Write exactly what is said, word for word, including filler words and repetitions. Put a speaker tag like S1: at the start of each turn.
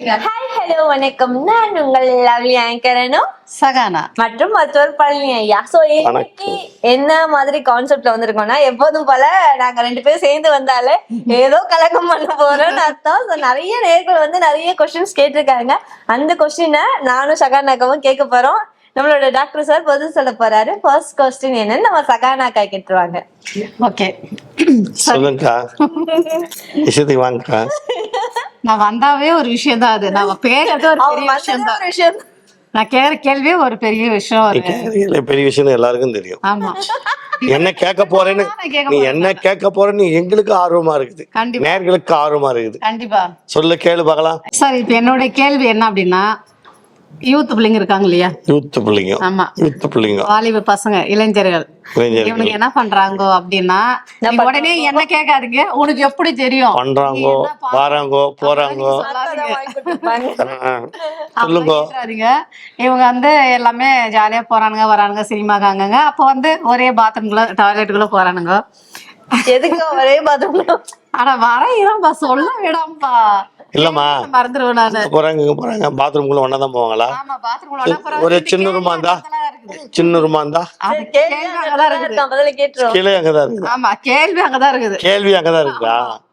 S1: Hi hello வணக்கம். நான் உங்கள் லவ்லி ஆங்கர் அனு
S2: சகானா
S1: மற்றும் மற்றொரு பழனி ஐயா. சோ இன்னைக்கு என்ன மாதிரி கான்செப்ட்ல வந்திருக்கோம்னா, எப்போதும் போல நாங்க ரெண்டு பேரும் சேர்ந்து வந்தாலே ஏதோ கலகம் பண்ண போறோம்னு அர்த்தம். So, நிறைய நேர்கள் வந்து நிறைய கொஸ்டின்ஸ் கேட்டிருக்காங்க. அந்த கொஸ்டினை நானும் சகானாக்காவும் கேட்க போறோம். நம்மளோட டாக்டர் சார் பதில் சொல்ல போறாரு. ஃபர்ஸ்ட் கொஸ்டின் என்னன்னு நம்ம சகானாக்கா கேட்டுருவாங்க.
S2: ஓகே
S3: சொல்லுங்கக்கா. விஷயத்துக்கு வாங்கக்கா.
S2: நான் வந்தாவே ஒரு விஷயம் தான். அது நான் கேட்கறது ஒரு
S1: அவங்க
S2: பெரிய விஷயம்
S1: வந்ததே
S2: தான்.
S1: ஒரு விஷயம்.
S2: நான் கேட்கிற கேள்வியே ஒரு பெரிய விஷயம்.
S3: நீ
S2: ஒரு
S3: கேக்குறீங்களே, பெரிய விஷயம் எல்லாருக்கும் தெரியும்.
S2: ஆமா
S3: என்ன கேட்க போறேன்னு
S2: நான் கேட்க
S3: நீ
S2: போறேன்.
S3: என்ன கேட்க போறேன்னு எங்களுக்கு ஆர்வமா இருக்குது,
S2: கண்டிப்பா
S3: நேர்களுக்கு ஆர்வமா இருக்குது.
S2: கண்டிப்பா
S3: சொல்லு, கேளு பார்க்கலாம்.
S2: சார், இப்ப என்னோட கேள்வி என்ன அப்படின்னா, யூத் பிள்ளைங்க இருக்காங்க இல்லையா?
S3: யூத் பிள்ளைங்க,
S2: ஆமா,
S3: யூத் பிள்ளைங்க,
S2: வாலிப பசங்க, இளைஞர்கள்,
S3: இளைஞர்கள்
S2: இவனுக்கு என்ன பண்றாங்க அப்படின்னா,
S1: என்ன
S2: நீங்க உடனே என்ன கேட்காதீங்க. உனக்கு எப்படி தெரியும்
S3: பண்றாங்கோ,
S2: நீ என்ன பா-
S3: வாராங்கோ, போறாங்கோ.
S1: அக்காதான் வாங்கி கொடுத்திருப்பாங்க.
S3: ஆ,
S2: அப்படிலாம்
S3: சொல்லுங்க.
S2: கேட்டுறாதீங்க. இவங்க வந்து எல்லாமே ஜாலியா போறானுங்க வரானுங்க, சினிமாக்காங்க. அப்போ வந்து ஒரே பாத்ரூம்குள்ள டாய்லெட்டுக்குள்ள போறானுங்க.
S1: எதுக்கு ஒரே பாத்ரூம்ல?
S2: ஆனா வரையிறோம்பா, சொல்ல விடாம்பா.
S3: இல்லம்மா,
S2: மறந்துடுவேன் நானு.
S3: இங்க போறாங்க இங்க போறாங்க, பாத்ரூம்குள்ள ஒன்னா தான் போவாங்களா?
S2: ஆமா, பாத்ரூம்குள்ள ஒண்ணா போறாங்க.
S3: ஒரு
S2: இந்த
S3: சின்ன
S2: கேள்வி
S3: ரூமா இருந்தா,
S2: அங்கதான் இருக்குது.
S3: சின்ன ரூமா இருந்தா
S2: அது
S1: கேள்வி
S2: கேள்வி
S1: அங்கதான்
S2: அங்கதான் இருக்குது.
S1: இருக்கான், பதில கேட்டுருவோம்.
S3: கீழே அங்கதான் இருக்குது.
S2: ஆமா, கேள்வி அங்கதான் இருக்குது.
S3: கேள்வி அங்கதான் இருக்குதா?
S2: ஆமா.